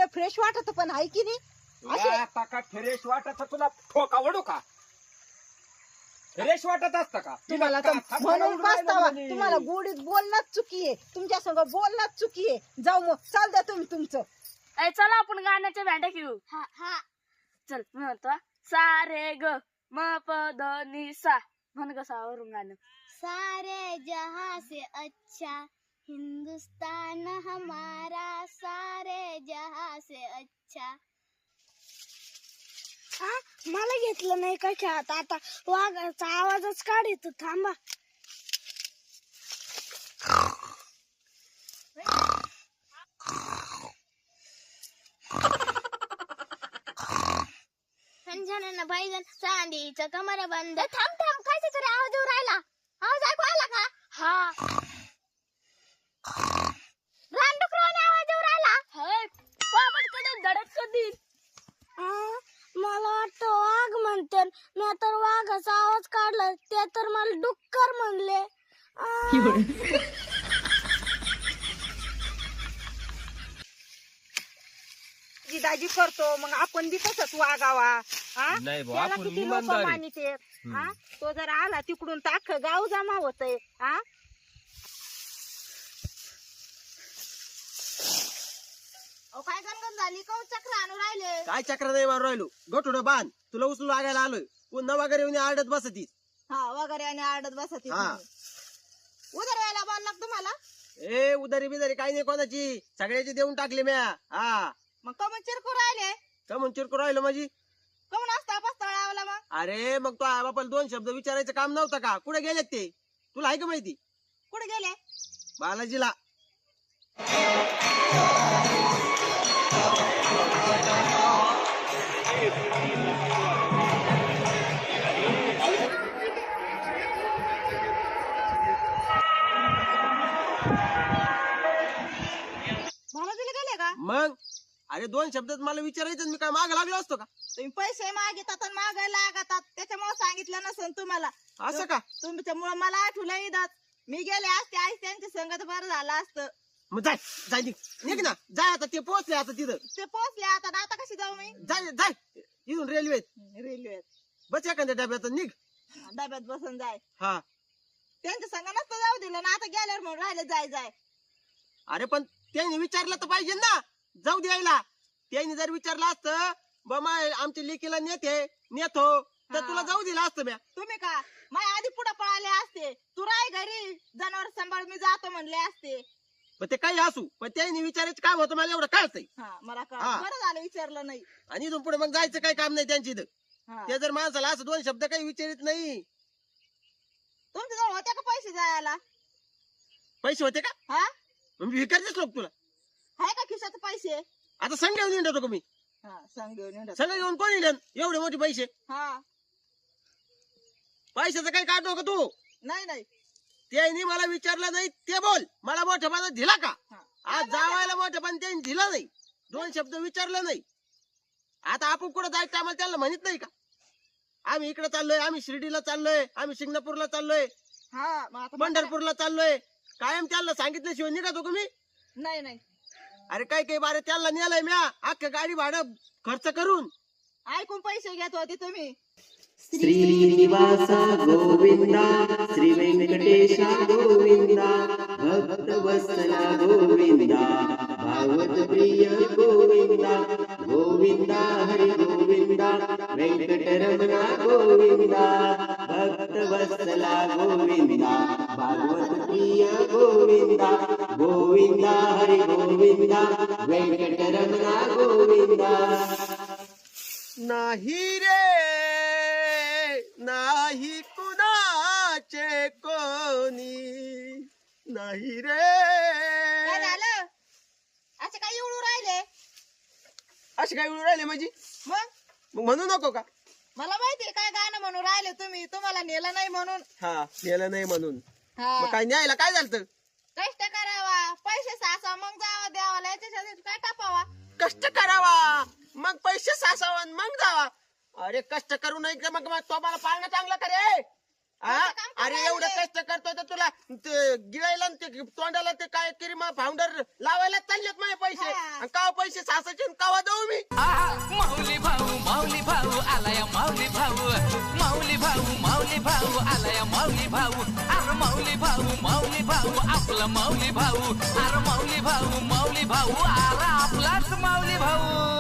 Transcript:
आपल्याला फ्रेश वाटत पण आहे की नाही? आता का फ्रेश वाटत तुला ठोका वडू का? फ्रेश वाटत असतं का? तुम्हाला तर म्हणून पस्तावा, तुम्हाला गोडीत बोलणंच चुकी आहे, तुमच्या संग बोलणंच चुकी आहे. जाऊ मग, चाल द्या तुम्ही तुमचं. चला आपण गाण्याच्या बँड्या घेऊ. हा हा चल म्हणतो सा रे ग म प द नि सा म्हण ग सावरून गाणं. सारे जहां से अच्छा हिंदुस्तान हमारा, सारे जहां से अच्छा. मला घेतलं नाही का खेळात, आता वाघाचा आवाजच काढतो. थांबा. संजनानं पाहिजे चांदीचं कमर बंद. थांब थांब, काय तरी आवाज येऊ राहिला. आवाज ऐकू आला का? हा रानडुकराने आवाज येऊ राहिला. पापडकडे धडक कधी. मला वाटतं वाघ म्हणते, मी तर वाघाचा आवाज काढला, ते तर मला डुक्कर म्हणले. दाजी करतो मग आपण बी तसंच वागावा. नाही भाऊ, त्याला आपण किती लोक इमानदार आहे. मानिते. तो जर आला तिकडून तर अख्खं गाव जमा होतंय. काय गणगण झाली, कौ चक्र आणू राहिले. काय चक्र नाही मारू राहिलो, गोठोड बांध, तुला उचलून लागायला आलोय. पुन्हा वगैरे येऊन आडत बसती. हा वगैरे आणि आडत बसत. हा. उदर व्हायला बोलला तुम्हाला. ए उदारी बिदारी काही नाही कोणाची, सगळ्याची देऊन टाकली म्या. हा मग कमून चिरकू राहिले, कमून चिरकू राहिलो माझी. कमून असता पस्ताळावला मग. अरे मग तो आई बापाला 2 शब्द विचारायचं काम नव्हतं का? कुठे गेलेत ते तुला आहे का माहिती? कुठे गेले? बालाजीला. बालाजीला गेले का? मग अरे 2 शब्दात मला विचारायचं, मी काय माग लागलो असतो का? तुम्ही पैसे मागितात आणि मागायला लागतात, त्याच्यामुळे सांगितलं नसेल तुम्हाला. असं का? तुमच्यामुळे मला आठवलं येतात. मी गेले असते आई त्यांच्या संगत बरं झालं असतं. मग जाय जाय निघ ना, जाय आता. ते पोहोचले आता तिथं. ते पोहोचले आता कशी जाऊ मी? जाय जाय इथून रेल्वेत रेल्वेत बस एखाद्या डब्यात निघ. डब्यात बसून जाय. हा त्यांच्या संग नसतं जाऊ दिलं ना, आता गेल्यावर म्हणून राहिले जाय जाय. अरे पण त्यांनी विचारलं तर पाहिजे ना, जाऊ द्यायला. त्यांनी जर विचारलं असतं बाबा आमच्या लेकीला नेतो तर तुला जाऊ दिला असतं म्या. तुम्ही का माझ्या आधी पुढे पळाले असते, तू राय घरी जनावर सांभाळ मी जातो म्हणले असते. पण ते काही असू, पण त्यांनी विचारायचं काम होतं मला एवढं कळतंय. मला कळलं. हा. बरं झालं विचारलं नाही. आणि इथून पुढे मग जायचं काही काम नाही त्यांची इथं. हा. ते जर माणसाला असं 2 शब्द काही विचारित नाही. तुमच्या जवळ होते का पैसे जायला? पैसे होते का? हा मग विकारतेच लोक तुला. आहे का खिशात पैसे? आता संघ घेऊन येतो का मी? सांग घेऊन ये. संघ घेऊन कोण येईल एवढे मोठे पैसे? हा पैशाचं काही काढतो का तू? नाही नाही. त्यांनी मला विचारलं नाही ते बोल. मला मोठेपणा दिला का? हा. आज जावायला मोठेपण त्यांनी दिला नाही, 2 शब्द विचारलं नाही. आता आपण कुठं जायचं आम्हाला त्यांना म्हणत नाही का? आम्ही इकडे चाललोय, आम्ही शिर्डीला चाललोय, आम्ही शिंगणापूरला चाललोय, हा मग आता पंढरपूरला चाललोय. कायम त्यांना सांगितल्याशिवाय निघतो का मी? नाही नाही. अरे काही बारे त्यांना नेलंय म्या अख्खं गाडी भाडं खर्च करून. ऐकून पैसे घेत होते तुम्ही. श्रीनिवास गोविंदा, श्री व्यंकटेशा गोविंदा, भक्त वत्सला गोविंदा, भागवत प्रिय गोविंदा, गोविंदा हरि गोविंदा, वेंकटरमणा गोविंदा, भक्त वत्सला गोविंदा, भागवत प्रिय गोविंदा, गोविंदा हरि गोविंदा, वेंकटरमणा गोविंदा. नाही रे नाही कुणाचे कोणी नाही रे. काय झालं? असं काय एवढं राहिले? असे काय उडून राहिले म्हणजे? मग म्हणू नको का? मला माहितीये काय गाणं म्हणून राहिले तुम्ही, तुम्हाला नेलं नाही म्हणून. हा नेलं नाही म्हणून. हा. मग काय न्यायला काय झालं? कष्ट करावा, पैसे साचा, मग जावा देवाला, याच्यासाठी काय टापावा. कष्ट करावा मग पैसे सासावं मग जावा. अरे कष्ट करू नाही का मग तो मला पाळणं चांगलं करे. अरे एवढं कष्ट करतोय तर तुला गिळायला ते तोंडाला ते काय किरीमा फाउंडर लावायला चाललेत माझे पैसे आणि का पैसे सासाचे कावा देऊ मी माऊली भाऊ आलाय माऊली भाऊ आलाय माऊली भाऊ अरे माऊली भाऊ आपला माऊली भाऊ अरे माऊली भाऊ अरे आपलाच माऊली भाऊ